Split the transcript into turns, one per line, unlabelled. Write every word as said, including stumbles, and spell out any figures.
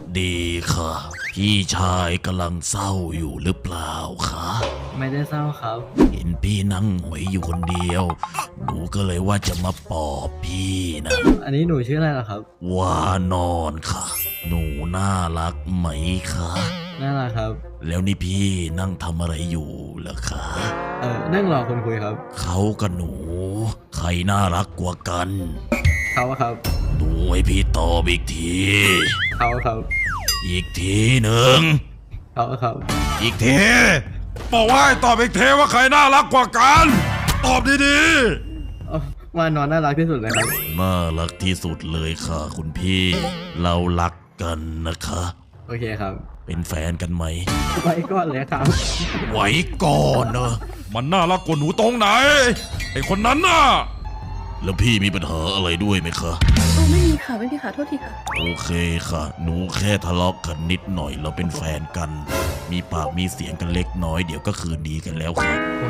ดีค่ะ พี่ชายกำลังเศร้าอยู่หรือเปล่าคะ
ไม่ได้เศร้าครับ
เห็นพี่นั่งหงอยอยู่คนเดียว หนูก็เลยว่าจะมาปลอบพี่นะ
อันนี้หนูชื่ออะไรเหรอครับ
ว่านอนค่ะ หนูน่ารักไหมคะ
น่ารักครับ
แล้วนี่พี่นั่งทำอะไรอยู่เหรอคะ
เออนั่งรอคนคุยครับ
เขากับหนู ใครน่ารักกว่ากัน
เขาครับ
หนูให้พี่ตอบอีกที
เขาครับ
อีกทีหนึ่ง
เขาครับ
อีกทีบอกว่าให้ตอบอีกทีว่าใครน่ารักกว่ากัน ตอบดี
เอ้าว่านอนน่ารักที่สุดเลยครับ
ๆน่ารักที่สุดเลยค่ะคุณพี่ เรารักกันนะคะ
โอเคครับ
เป็นแฟนกันไหม
ไว้ก่อนเลยครับ
ไว้ก่อนเนอะมันน่ารักกว่าหนูตรงไหน ไอคนนั้นน่ะ แล้วพี่มีปัญหาอะไรด้วยไหมคะ
โอ้ไม่มีค่ะไม่มีค่ะโทษทีค่ะ
โอเคค่ะ หนูแค่ทะเลาะกันนิดหน่อยเราเป็นแฟนกัน มีปากมีเสียงกันเล็กน้อยเดี๋ยวก็คืนดีกันแล้วค่ะ